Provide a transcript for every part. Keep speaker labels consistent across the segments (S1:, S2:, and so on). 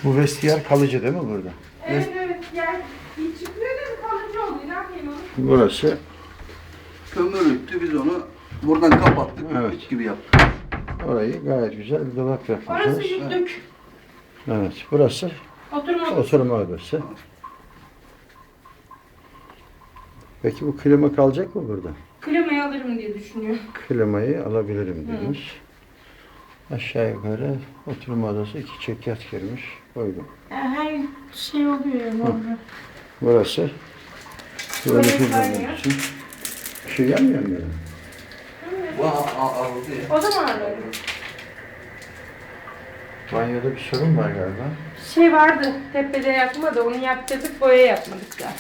S1: Bu vestiyer kalıcı değil mi burada?
S2: Evet evet. Yer bir çıkıyor da kalıcı oluyor. Ne yapayım onu?
S1: Burası
S3: Kömürlüktü, biz onu buradan kapattık,
S1: Evet.
S3: evet. gibi yaptık.
S1: orayı gayet güzel bir dolap yapmışsınız.
S2: Orası yüklük.
S1: Evet, burası
S2: Oturma odası.
S1: oturma odası. Peki bu klima kalacak mı burada?
S2: Klimayı alırım diye düşünüyorum.
S1: Klimayı alabilirim demiş. Aşağı yukarı oturma odası 2 çekyat girmiş. Uygun.
S2: Her şey oluyor ya normal.
S1: Burası
S2: Tuvalet
S1: tuvaleti
S2: banyo.
S1: bulmak için. Bir şey gelmiyor mu? Yani?
S3: Aldı ya.
S2: O da mı ağrıyor?
S1: Banyoda bir sorun var galiba.
S2: Şey vardı, tepede yakmadı, onu yaptırdık, boya yapmadık da.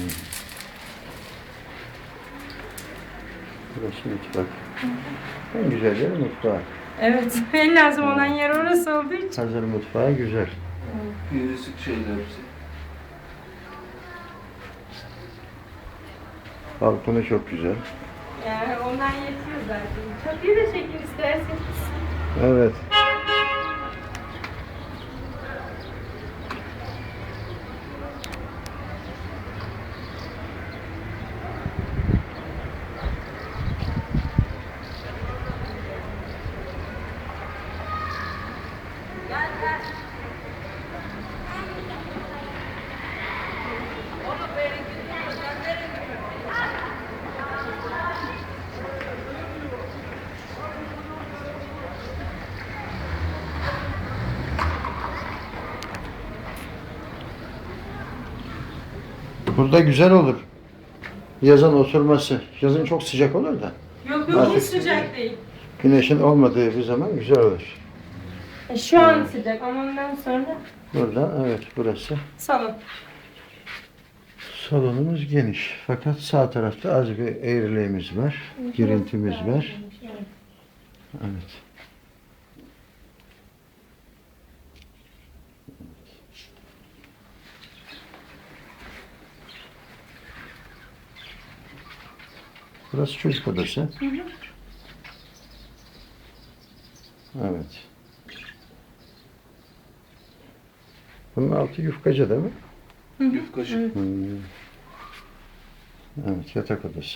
S1: Burası mutfak. En güzel yer mutfak.
S2: Evet, en lazım olan yer orası olduğu için.
S1: Hazır mutfağı güzel.
S3: Pirisik şeyler hepsi.
S1: Balkonu çok güzel.
S2: Yani ondan yetiyor zaten. Çatıyı da çekin isterseniz.
S1: Evet. Burada güzel olur. Yazın oturması. Yazın çok sıcak olur da.
S2: Yok yok, hiç sıcak değil.
S1: Güneşin olmadığı bir zaman güzel olur.
S2: Şu an sıcak ama ondan sonra
S1: Burada evet burası.
S2: salon.
S1: Salonumuz geniş. Fakat sağ tarafta az bir eğriliğimiz var. Girintimiz var. Evet. Burası çocuk odası. Evet. Bunun altı yufkacı değil mi?
S3: Yufkacı.
S1: Evet, yatak odası.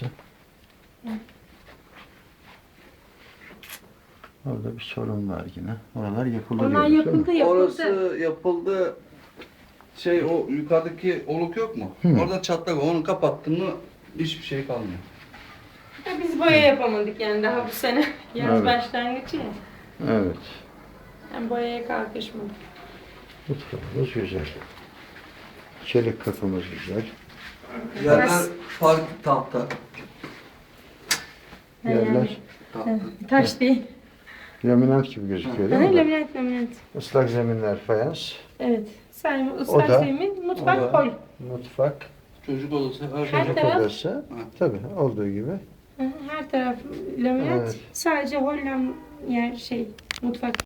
S1: Orada bir sorun var yine. Oralar yapıldı
S2: Onlar
S1: diyoruz, değil mi?
S2: yapıldı yapıldı.
S3: Orası yapıldı. Şey, o yukarıdaki oluk yok mu? Orada çatlak, onu kapattın mı hiçbir şey kalmıyor.
S2: Ya biz boya yapamadık yani daha bu sene. Yaz
S1: Evet.
S2: başlangıcı ya.
S1: Evet.
S2: Yani boyaya kalkışmadık.
S1: Mutfağımız güzel. Çelik kapımız güzel.
S3: Yerler
S2: Burası-
S3: farklı tahta.
S1: Yerler
S3: Tahta.
S2: Taş değil.
S1: laminat gibi gözüküyor değil mi?
S2: Laminat.
S1: Islak zeminler fayans.
S2: Evet. Sen ıslak
S1: Oda.
S2: zemin, mutfak
S3: Oda.
S2: hol.
S1: Mutfak,
S3: Çocuk odası, her şey.
S2: Her
S1: çocuk
S2: taraf-
S1: odası. Tabii olduğu gibi.
S2: Her taraf laminat.
S1: Evet.
S2: Sadece hol yer mutfak